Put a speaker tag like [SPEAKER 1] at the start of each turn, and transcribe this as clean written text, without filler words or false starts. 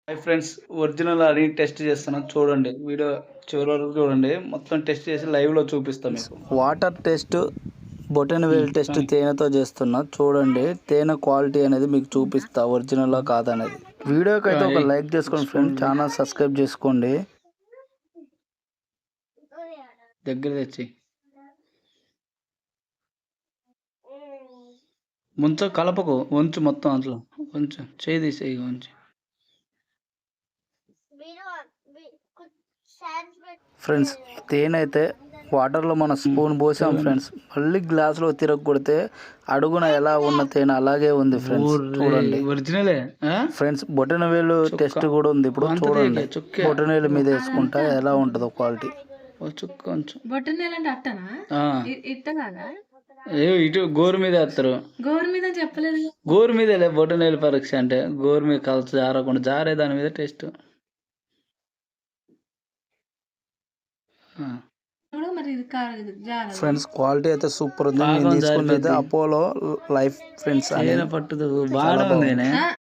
[SPEAKER 1] Hi friends, original అని test చేస్తున్నా. చూడండి, వీడియో చివరి వరకు చూడండి. మొత్తం టెస్ట్ చేసి లైవ్లో చూపిస్తాం మీకు.
[SPEAKER 2] వాటర్ టెస్ట్, బొటనవేల్ టెస్ట్ తేనెతో చేస్తున్నా. చూడండి, తేనె క్వాలిటీ అనేది మీకు చూపిస్తా, ఒరిజినల్ కాదనేది. వీడియోకి అయితే ఒక లైక్ చేసుకోండి ఫ్రెండ్స్, ఛానల్ సబ్స్క్రైబ్ చేసుకోండి.
[SPEAKER 1] దగ్గర తెచ్చి ముంచ కలపకు, వంచు మొత్తం అట్లా వంచు, చేయి తీసేయి వంచు.
[SPEAKER 2] ఫ్రెండ్స్, తేనె అయితే వాటర్లో మన స్పూన్ పోసాం ఫ్రెండ్స్. మళ్ళీ గ్లాసులో తిరగకొడితే అడుగున ఎలా ఉన్న తేనె అలాగే ఉంది ఫ్రెండ్స్. చూడండి
[SPEAKER 1] ఒరిజినలే
[SPEAKER 2] ఫ్రెండ్స్, బొటనవేలు టెస్ట్ కూడా ఉంది ఇప్పుడు. చూడండి, బొటనవేలు మీద వేసుకుంటా ఎలా ఉంటుందో క్వాలిటీ.
[SPEAKER 1] ఇటు గోరు మీద వేస్తారు.
[SPEAKER 3] గోరు మీద చెప్పలేదు.
[SPEAKER 1] గోరు మీద బొటనవేలు పరీక్ష అంటే గోరు మీద కలిసి జారకుండా జారే దాని మీద టెస్ట్.
[SPEAKER 2] ఫ్రెండ్స్, క్వాలిటీ అయితే సూపర్ ఉంది. నేను తీసుకున్నది అపోలో లైఫ్ ఫ్రెండ్స్ అని.
[SPEAKER 1] పట్టుదు బాగా ఉంది.